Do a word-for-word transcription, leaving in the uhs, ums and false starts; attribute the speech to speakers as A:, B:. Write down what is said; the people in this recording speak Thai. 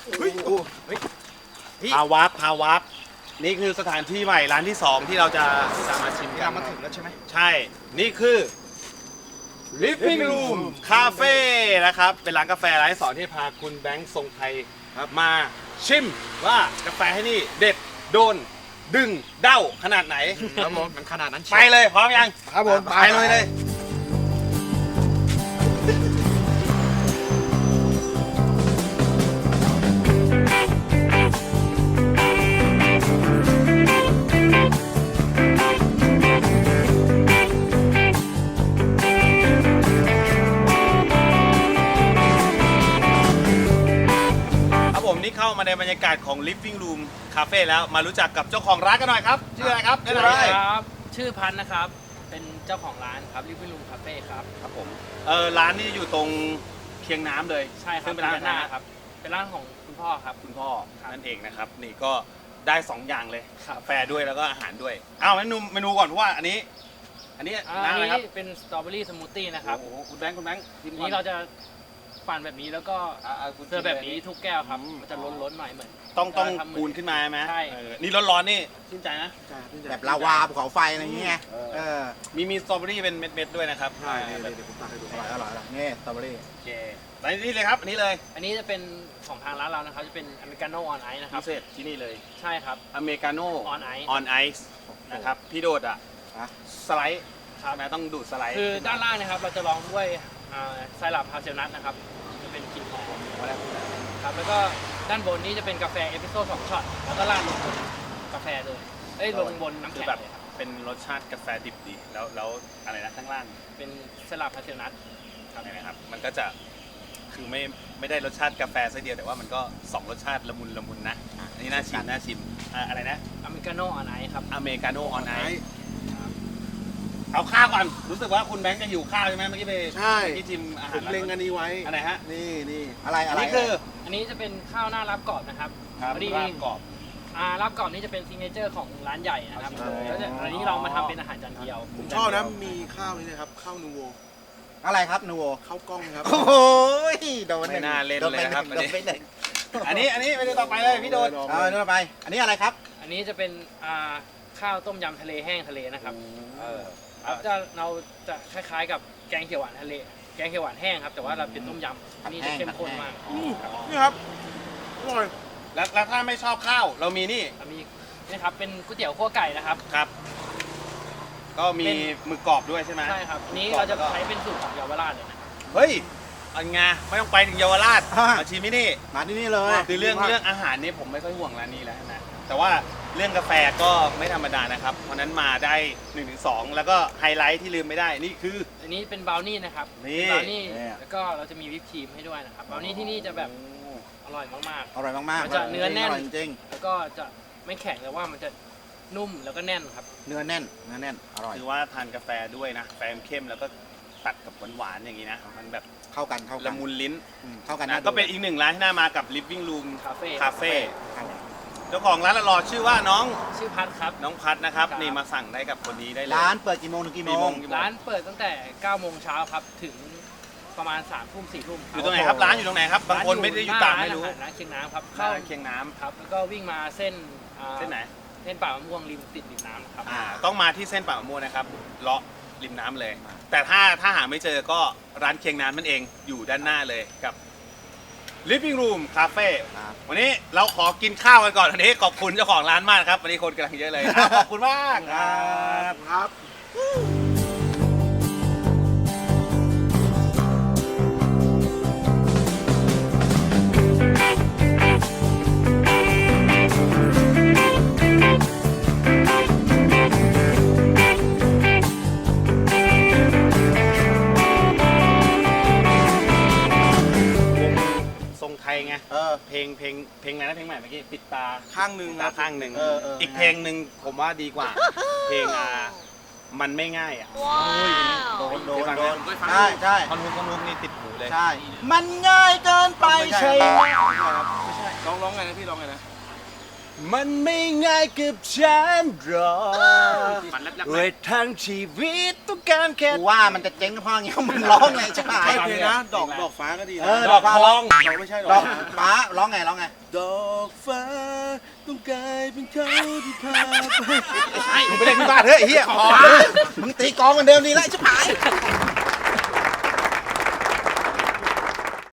A: เฮ้ยเฮ้ยพาวับพาวับนี่คือสถานที่ใหม่ร้านที่สองที่เราจะจะมาชิมกัน
B: มาถึงแล้วใช่ไหม
A: ใช่ นี่คือ Living Room Cafe นะครับ เป็นร้านกาแฟร้านที่สองที่พาคุณแบงค์ทรงไทยมาชิมว่ากาแฟที่นี่เด็ดโดนดึงเด้าขนาดไหน
B: ครับผมมันขนาดนั้น
A: ไปเลยพร้อมยัง
B: ครับผม
A: ไปเลยเลยนี่เข้ามาในบรรยากาศของ Living Room Cafe แล้วมารู้จักกับเจ้าของร้านกันหน่อยครับชื่ออะไรครับ
C: ชื่ออะไรครับชื่อพันธ์นะครับเป็นเจ้าของร้านครับ Living Room Cafe ครับ
A: ครับผมเออร้านนี้อยู่ตรงเคียงน้ำเลย
C: ใช่ครับ
A: เป็นร้านหน้าครับ
C: เป็นร้านของคุณพ่อครับ
A: คุณพ่อนั่นเองนะครับนี่ก็ได้สองอย่างเลย
C: ครับ
A: กาแฟด้วยแล้วก็อาหารด้วยเอาเมนูเมนูก่อนเพราะว่าอันนี้ อันนี้
C: อั
A: น้ำ
C: น
A: อะไร
C: นี้
A: ครับ
C: เป็นสตรอเบอรี่สมูทตี้นะครับ
A: โอ้โหคุณแบงค์คุณแบงค์ชิม
C: อัน
A: ก่อน
C: นี้เราจะปั่นแบบนี้แล้วก็
A: อ่าๆคุณ
C: เสิร์ฟแบบนี้ทุกแก้วครับ
A: อืม
C: มันจะล้นๆหน่อยเหมือน
A: ต้องต้อง
C: ทำมื
A: ปูนขึ้นมาไหม
C: ใช่
A: เออนี่ร้อนๆนี่ชื่นใจนะ
B: แบบลาวาภูเขาไฟอะไรอย่างเงี้ยเออ
A: มีมีสตรอเบอรี่เป็นเม็ดๆด้วยนะครับ
B: ใช่เดี๋ยวผมตักให้ดูอร่อยอร่อยอร่อยนี่สตรอเบอรี่
A: โอเคไปนี่เลยครับอันนี้เลย
C: อันนี้จะเป็นของทางร้านเรานะครับจะเป็นอเมริกาโน่ออนไอซ์นะค
A: พิ
C: รับ
A: เศษที่นี่เลย
C: ใช่ครับ
A: อเมริกาโน่
C: On ice
A: on ice นะครับพี่โดดอ่ะ
B: อ่ะ
A: สไลด์ใช่ไหมต้องดูดสไลด์
C: คือด้านล่างนะครับเราจะลองด้วยอ่าไซรัปฮาเซลนัทนะครับจะเป็นกลิ่นหอมครับแล้วก็ด้านบนนี้จะเป็นกาแฟเอพิโซดสองช็อตแล้วก็ราดลงบนกาแฟเลยเอ้ยลงบนน้ำ
A: คือ
C: แข็ง
A: แบบ
C: เลยครับ
A: เป็นรสชาติกาแฟดิบดีแล้วแล้วอะไรนะข้างล่าง
C: เป็นไซรัปฮาเซลนัท
A: ทำยังไงครับมันก็จะคือไม่ไม่ได้รสชาติกาแฟซะเดียวแต่ว่ามันก็สองรสชาติละมุนละมุนนะอันนี้น่าชิมน่าชิมอ่ะอะไรนะ
C: อเมริกาโน่ออนไอซ์ครับ
A: อเมริกาโน่ออนไอซ์เอาข้าวก่อนรู้สึกว่าคุณแบงค์จะหิวข้าวใช่ไหมเมื่อกี้ไป
B: ใช่
A: เมื่อกี้ชิมอา
B: ผ
A: หาร
B: มเล็งอันนี้ไว้
A: อันไหนฮะ
B: นี่นี่อะไร
A: อั
B: อะ
A: น
B: ไร
A: นี้คือ
C: อันนี้จะเป็นข้าวหน้ารับกรอบนะครับ
A: ครับ
C: พอดี
A: ราดกรอบ
C: อ่ารับกรอบนี่จะเป็นซิงเกิลเจอร์ของร้านใหญ่นะครับ
A: อ๋อ
C: แล้วจะอันนี้เรามาทำเป็นอาหารจานเดียว
B: ผมชอบนะมีข้าวนี่นะครับข้าวนูโว
D: อะไรครับนูโว
B: ข้าวกล้องครับ
D: โอ้โหโดน
A: ไม่น่าเล่น
D: โด
A: เลยนะครับ
D: โดนไปเลย
A: อันนี้อันนี้ไปดูต่อไปเลยพี่โดด
D: เอาเนื้อไป อันนี้อะไรครับ
C: อันนี้จะเป็นอ่าข้าวต้มยำทะเลแห้งทะเลนะครับ
A: เออ
C: ครับจะเราจะคล้ายๆกับแกงเขียวหวานทะเล แกงเขียวหวานแห้งครับแต่ว่าเราเป็นต้มยำอันนี้จะเข้มข้นมาก
B: นี่ครับอร่อย
A: แล้วแล้วถ้าไม่ชอบข้าวเรามีนี่
C: อันนี้นี่ครับเป็นก๋วยเตี๋ยวคั่วไก่นะครับ
A: ครับ ก็มี
C: เป็น
A: หมึกกรอบด้วยใช่ไหม
C: ใช่ครับนี้เราจะใช้เป็นสูตรของเยาวราชเลยนะ
A: เฮ้ยอันไงไม่ต้องไปถึงเยาวราช
D: อ่ะ
A: มาชิมที่นี่
D: มาที่นี่เลย
A: คือเรื่องเรื่องอาหารนี่ผมไม่ค่อยห่วงร้านนี้แล้วนะแต่ว่าเรื่องกาแฟก็ไม่ธรรมดานะครับ เพราะฉะนั้นมาได้หนึ่งถึงสองแล้วก็ไฮไลท์ที่ลืมไม่ได้นี่คือ
C: อันนี้เป็นบราวนี่นะครับ
A: นี่
C: บราวนี่แล้วก็เราจะมีวิปครีมให้ด้วยนะครับบราวนี่ที่นี่จะแบบอร่อยมาก
D: อร่อยมากๆ
C: มันจะเนื้อแน่น
D: อร่อยจริง
C: ๆ แล้วก็จะไม่แข็งแต่ว่ามันจะนุ่มแล้วก็แน่นครับ
D: ๆเนื้อแน่น เนื้อแน่น อร่อย
A: คือว่าทานกาแฟด้วยนะแฟมเข้มแล้วก็ตัดกับหวานๆอย่างนี้นะมันแบบ
D: เข้ากัน เข้ากั
A: ละมุนลิ้น
D: อืมเข้ากัน
A: นะ
D: ดู
A: ก็เป็นอีกหนึ่งร้านที่น่ามากับ Living Room
C: Cafe
A: Cafe
D: ครับ
A: เจ้าของร้านละรอชื่อว่าน้อง
C: ชื่อพัทครับ
A: น้องพัดนะครับ
C: ครับ
A: นี่มาสั่งได้กับคนนี้ได้เลย
D: ร้านเปิดกี่โมงถึงกี่โม
A: กี่โม
D: ง
A: ง
C: ร้านเปิดตั้งแต่เก้าโมงเช้าครับถึงประมาณสามทุ่มสี่ทุ่ม
A: อยู่ตรงไหนครับร้านอยู่ตรงไหนครับบางคนไม่ได้อยู่ต่างไม่รู้
C: ร้านอาหารร้านเคียงน้ำครับ
A: ข้า
C: เข้าว
A: เคียงน้ำ
C: ครับแล้วก็วิ่งมาเส้นอ่า
A: เส้นไหน
C: เส้นป่ามะม่วงริมติดริมน้ำครับ
A: อ่าต้องมาที่เส้นปากมะม่วงนะครับเลาะริมน้ำเลย แต่ถ้าถ้าหาไม่เจอก็ร้านเคียงน้ำนั่นเองอยู่ด้านหน้าเลยกับ Living Room Cafe
D: ครับ
A: วันนี้เราขอกินข้าวกันก่อนวันนี้ขอบคุณเจ้าของร้านมากครับวันนี้คนกำลังเยอะเลยอ่ะขอบคุณมากครับ
B: ครับ
A: ทรงไทยไง
D: เออ
A: เพลงเพลงเพลงอะไรนะเพลงใหม่เมื่อกี้ปิดตา
B: ข้างหนึ่ง
A: ปิด
B: ค
A: ตา
B: รับ
A: ข้างหนึ่ง
D: เออเอออี
A: อีกเพลงหนึ่งผมว่าดีกว่า เพลงอ่ามันไม่ง่ายอ่ะ
D: โดน โดน
A: ได้ฟัง
D: โด
A: ไหม
D: น ใช่ใช่
A: ท่อนฮุกท่อนฮุกนี่ติดหูเลย
D: ใช่ มันง่ายเกินไปใช่ไหม
B: ร้องร้องไงนะพี่ร้องไงนะ
A: มันไม่ง่ายกับฉันหรอก
C: ฝันแลบๆ
A: เวททั้งชีวิตต้องการแค่
D: กูว่ามันจะเจ๊งเพราะอย่างเงี้ยมึงร้องไงใช่ไหม
B: ใช่เพลงนะ ดอกดอกฟ้าก็ดีนะ
D: เออ
A: ดอกทอง
B: ดอกไม่ใช่ด
D: ด
B: อ
D: อก กฟ้าร้องไงร้องไง
B: ดอกฟ้าต้องกลายเป็นเขาที่พาไป
D: มึงไปเล่นที่บ้านเถอะไอ้เฮียพอมึงตีกลองเหมือนเดิมดีแล้วใช่ไหม